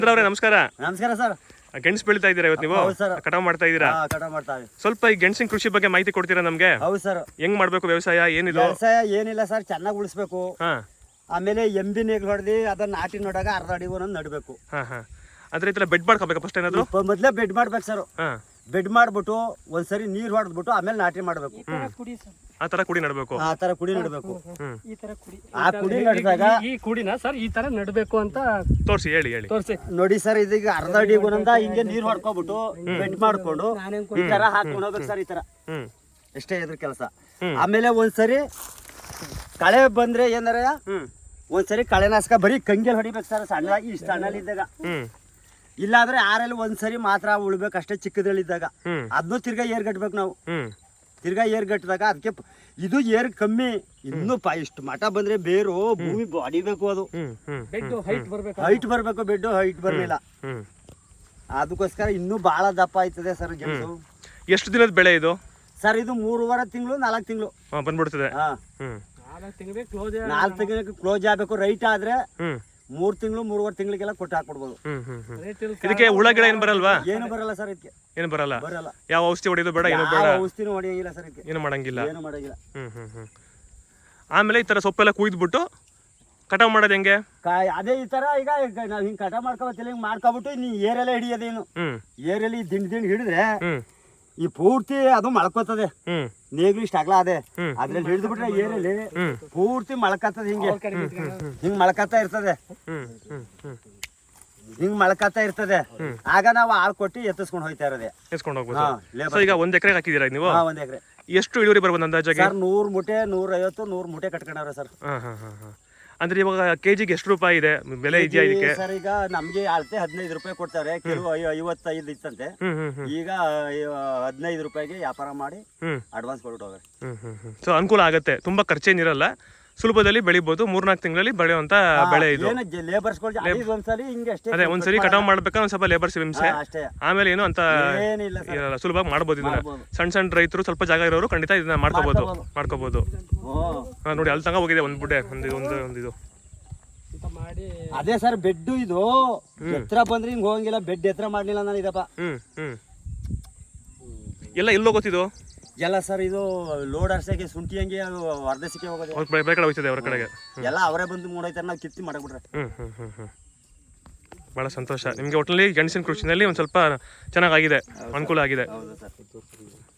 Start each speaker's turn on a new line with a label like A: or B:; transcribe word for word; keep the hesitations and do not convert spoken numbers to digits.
A: ಅವ್ರೆ ನಮಸ್ಕಾರ.
B: ನಮಸ್ಕಾರ ಸರ್.
A: ಗೆಣಸು ಬೆಳಿತಾ ಇದ್ದೀರಾ ಇವತ್ತು ನೀವು? ಕಟಾವ್ ಮಾಡ್ತಾ ಇದ್ದೀರಾ?
B: ಕಟಾವ್ ಮಾಡ್ತಾ ಇದ್ದೀವಿ.
A: ಸ್ವಲ್ಪ ಈ ಗೆಣಸಿನ ಕೃಷಿ ಬಗ್ಗೆ ಮಾಹಿತಿ ಕೊಡ್ತೀರಾ ನಮ್ಗೆ?
B: ಹೌದು ಸರ್.
A: ಹೆಂಗ್ ಮಾಡ್ಬೇಕು ವ್ಯವಸಾಯ, ಏನಿದು?
B: ವ್ಯವಸಾಯ ಏನಿಲ್ಲ ಸರ್, ಚೆನ್ನಾಗಿ ಉಳಿಸ್ಬೇಕು.
A: ಹಾ.
B: ಆಮೇಲೆ ಎಂಬಿ ನೇಗ್ಲು ಹೊಡೆದಿ ಅದನ್ನ ನಾಟಿ ನೋಡಾಗ ಅರ್ಧ ಅಡಿ ಒಂದೊಂದು ನಡಬೇಕು.
A: ಹಾ ಹಾ. ಅದ್ರ ಈ ತರ ಬೆಡ್ ಮಾಡ್ಕೋಬೇಕಾ ಫಸ್ಟ್ ಏನಾದ್ರು?
B: ಮೊದಲೇ ಬೆಡ್ ಮಾಡ್ಬೇಕು ಸರ್.
A: ಹಾ.
B: ಬೆಡ್ ಮಾಡ್ಬಿಟ್ಟು ಒಂದ್ಸರಿ ನೀರ್ ಹೊಡೆದ್ಬಿಟ್ಟು ಆಮೇಲೆ ನಾಟಿ ಮಾಡ್ಬೇಕು.
A: ಆ ತರ ಕುಡಿ ನಡಬೇಕು.
B: ಆ ತರ ಕುಡಿ ನಡಬೇಕು.
C: ಈ ತರ ಕುಡಿ
B: ಆ ಕುಡಿ ನಡೆದಾಗ
C: ಈ ಕುಡಿನ ಸರ್ ಈ ತರ ನಡಬೇಕು ಅಂತ
A: ತೋರಿಸಿ, ಹೇಳಿ ಹೇಳಿ
C: ತೋರಿಸಿ
B: ನೋಡಿ ಸರ್. ಇದೀಗ ಅರ್ಧ ಅಡಿ ಒಂದೊಂದ ಹಿಂಗೆ ನೀರ್ ಹೊಡ್ಕೊಬಿಟ್ಟು ಬೆಡ್ ಮಾಡ್ಕೊಂಡು ಈ ತರ ಹಾಕೊಂಡು ಹೋಗ್ಬೇಕು ಸರ್. ಈ ತರ
A: ಹ್ಮ್
B: ಎಷ್ಟೇ ಇದ್ರ ಕೆಲಸ. ಆಮೇಲೆ ಒಂದ್ಸರಿ ಕಳೆ ಬಂದ್ರೆ ಏನಾರ ಒಂದ್ಸರಿ ಕಳೆನಾಶಕ ಬರೀ ಕಂಗೆಲ್ ಹೊಡಿಬೇಕು ಸರ್, ಸಣ್ಣದಾಗಿ ಇಷ್ಟ ಸಣ್ಣಲ್ಲಿದ್ದಾಗ. ಇಲ್ಲಾಂದ್ರೆ ಆರಲ್ಲಿ ಒಂದ್ಸರಿ ಮಾತ್ರ ಉಳ್ಬೇಕು ಅಷ್ಟೇ, ಚಿಕ್ಕದಲ್ಲಿದ್ದಾಗ. ಅದನ್ನು ತಿರ್ಗಾ ಏರ್ ಗಟ್ಬೇಕು ನಾವು. ತಿರ್ಗಾ ಏರ್ ಗಟ್ಟಿದಾಗ ಅದಕ್ಕೆ ಇದು ಏರ್ ಕಮ್ಮಿ, ಇನ್ನು ಪ ಇಷ್ಟು ಮಠ ಬಂದ್ರೆ ಬೇರು ಭೂಮಿ ಅಡಿಬೇಕು. ಅದು ಹೈಟ್ ಬರ್ಬೇಕು, ಬೆಡ್ ಹೈಟ್ ಬರ್ಲಿಲ್ಲ. ಅದಕ್ಕೋಸ್ಕರ ಇನ್ನೂ ಬಹಳ ದಪ್ಪ ಆಯ್ತದೆ ಸರ್ ಗೆಣಸು.
A: ಎಷ್ಟು ದಿನದ ಬೆಳೆ ಇದು
B: ಸರ್? ಇದು ಮೂರುವರೆ ತಿಂಗಳು ನಾಲ್ಕು ತಿಂಗಳು
A: ಬಂದ್ಬಿಡ್ತದೆ.
B: ನಾಲ್ಕು ತಿಂಗಳಿಗೆ ಕ್ಲೋಸ್ ಆಗ್ಬೇಕು. ರೈಟ್ ಆದ್ರೆ ಮೂರ್ ತಿಂಗಳು ಮೂರುವರೆ ತಿಂಗಳಿಗೆಲ್ಲ ಕೊಟ್ಟು ಹಾಕ್ಬಿಡ್ಬೋದು.
A: ಇದಕ್ಕೆ ಹುಳ ಗಿಡ ಏನ್ ಬರಲ್ವಾ?
B: ಏನು ಬರಲ್ಲ ಸರ್ ಇದಕ್ಕೆ.
A: ಏನು ಬರಲ್ಲ.
B: ಬರಲ್ಲ.
A: ಯಾವ ಔಷಧಿ ಹೊಡೆಯೋದು ಬೇಡ, ಏನು ಬೇಡ,
B: ಔಷಧಿನೂ ಹೊಡೆಯಂಗಿಲ್ಲ ಸರ್ ಇದಕ್ಕೆ.
A: ಏನು ಮಾಡಂಗಿಲ್ಲ.
B: ಏನು ಮಾಡಂಗಿಲ್ಲ.
A: ಹ್ಮ್ ಹ್ಮ್ ಹ್ಮ್ ಆಮೇಲೆ ಈ ತರ ಸೊಪ್ಪೆಲ್ಲ ಕುಯ್ದ್ಬಿಟ್ಟು ಕಟಾವ್ ಮಾಡೋದು ಹೆಂಗೆ?
B: ಅದೇ ಈ ತರ ಈಗ ನಾವ್ ಹಿಂಗ್ ಕಟಾವ್ ಮಾಡ್ಕೊಬತ್ತಿಲ್ಲ, ಹಿಂಗ್ ಮಾಡ್ಕೊಬಿಟ್ಟು ನೀ ಏರೆಲ್ಲ ಹಿಡಿಯೋದೇನು. ಏರಲ್ಲಿ ದಿಂಡ್ ದಿಂಡ್ ಹಿಡಿದ್ರೆ ಈ ಪೂರ್ತಿ ಅದು ಮಳ್ಕೋತದೆ. ನೇಗ್ಲು ಇಷ್ಟ ಅಗಲ ಅದೇ, ಅದ್ರಲ್ಲಿ ಹಿಡಿದು ಬಿಟ್ರೆ ಏರಲ್ಲಿ ಪೂರ್ತಿ ಮಳ್ಕತ್ತದ. ಹಿಂಗೆ ಹಿಂಗ್ ಮಳ್ಕತ್ತಾ ಇರ್ತದೆ, ಹಿಂಗ್ ಮಳ್ಕತ್ತಾ ಇರ್ತದೆ. ಆಗ ನಾವು ಆಳ್ ಕೊಟ್ಟು ಎತ್ತಿಸ್ಕೊಂಡು ಹೋಯ್ತಾ ಇರೋದೇ.
A: ಎತ್ಕೊಂಡು ಹೋಗ್ಬೋದು. ಈಗ ಒಂದ್ ಎಕರೆ ಹಾಕಿದೀರಾ ನೀವು?
B: ಒಂದ್ ಎಕರೆ.
A: ಎಷ್ಟು ಇಳುವರಿ ಬರ್ಬೋದು ಅಂದಾಜಾಗಿ?
B: ಸರ್ ನೂರ್ ಮುಟೆ ನೂರ ಐವತ್ತು ನೂರ್ ಮುಟೆ ಕಟ್ಕೊಂಡವ್ರೆ ಸರ್.
A: ಅಂದ್ರೆ ಇವಾಗ ಕೆಜಿಗೆ ಎಷ್ಟು ರೂಪಾಯಿ ಇದೆ ಬೆಲೆ ಇದೆಯಾ ಇದಕ್ಕೆ?
B: ಸರ್ ಈಗ ನಮ್ಗೆ ಅಳತೆ ಹದಿನೈದು ರೂಪಾಯಿ ಕೊಡ್ತಾರೆ, ಕೆಲವು ಐವತ್ತೈದು ಇತ್ತಂತೆ. ಈಗ ಹದಿನೈದು ರೂಪಾಯಿಗೆ ವ್ಯಾಪಾರ ಮಾಡಿ ಅಡ್ವಾನ್ಸ್ ಕೊಟ್ಟು ಹೋಗ್ರಿ.
A: ಸೊ ಅನುಕೂಲ ಆಗುತ್ತೆ, ತುಂಬಾ ಖರ್ಚೇನಿರಲ್ಲ, ಸುಲಭದಲ್ಲಿ ಬೆಳಿಬಹುದು. ಮೂರ್ನಾಲ್ಕು ತಿಂಗಳಲ್ಲಿ ಬೆಳೆಯುವಂತ ಬೆಳೆ ಇದು. ಅದೇ ಒಂದ್ಸರಿ ಕಟಾವ್ ಮಾಡ್ಬೇಕಾದ್ರೆ ಒಂದ್ ಸ್ವಲ್ಪ ಲೇಬರ್ಸ್ ಹಿಂಸೆ, ಆಮೇಲೆ ಏನು ಅಂತ ಇರಲ್ಲ, ಸುಲಭ ಮಾಡ್ಬೋದು ಇದನ್ನ. ಸಣ್ಣ ಸಣ್ಣ ರೈತರು ಸ್ವಲ್ಪ ಜಾಗ ಇರೋರು ಖಂಡಿತ ಇದನ್ನ ಮಾಡ್ಕೋಬಹುದು ಮಾಡ್ಕೋಬಹುದು ನೋಡಿ ಅಲ್ಲಿ ತನಕ ಹೋಗಿದೆ ಒಂದ್ ಬುಡ್ಡೆ, ಒಂದು ಒಂದು ಒಂದಿದು.
B: ಅದೇ ಸರ್ ಬೆಡ್ ಇದು ಎತ್ತರ ಬಂದ್ರೆ ಹಿಂಗ್ ಹೋಗಂಗಿಲ್ಲ, ಬೆಡ್ ಎತ್ತರ ಮಾಡ್ಲಿಲ್ಲ ನಾನು ಇದಪ್ಪ.
A: ಹ್ಮ್ ಹ್ಮ್ ಎಲ್ಲ ಎಲ್ಲೋ ಗೊತ್ತಿದ್ದು
B: ಎಲ್ಲ ಸರ್. ಇದು ಲೋಡ್ ಅರ್ಸಕ್ಕೆ ಶುಂಠಿ ಹಂಗೆ ಅದು ಹೊರದೇಶಕ್ಕೆ ಹೋಗೋದು,
A: ಬೇರೆ ಕಡೆ ಹೋಗ್ತದೆ ಅವ್ರ ಕಡೆಗೆ.
B: ಎಲ್ಲ ಅವರೇ ಬಂದು ಮೂಡೈತಾರೆ, ನಾವು ಕಿತ್ತಿ ಮಾಡಬಿಟ್ರೆ.
A: ಹ್ಮ್ ಹ್ಮ್ ಹ್ಮ್ ಹ್ಮ್ ಬಹಳ ಸಂತೋಷ. ನಿಮ್ಗೆ ಒಟ್ಟಿನಲ್ಲಿ ಗೆಣಸಿನ ಕೃಷಿನಲ್ಲಿ ಒಂದ್ ಸ್ವಲ್ಪ ಚೆನ್ನಾಗಿದೆ, ಅನುಕೂಲ ಆಗಿದೆ.
B: ಹೌದು ಸರ್.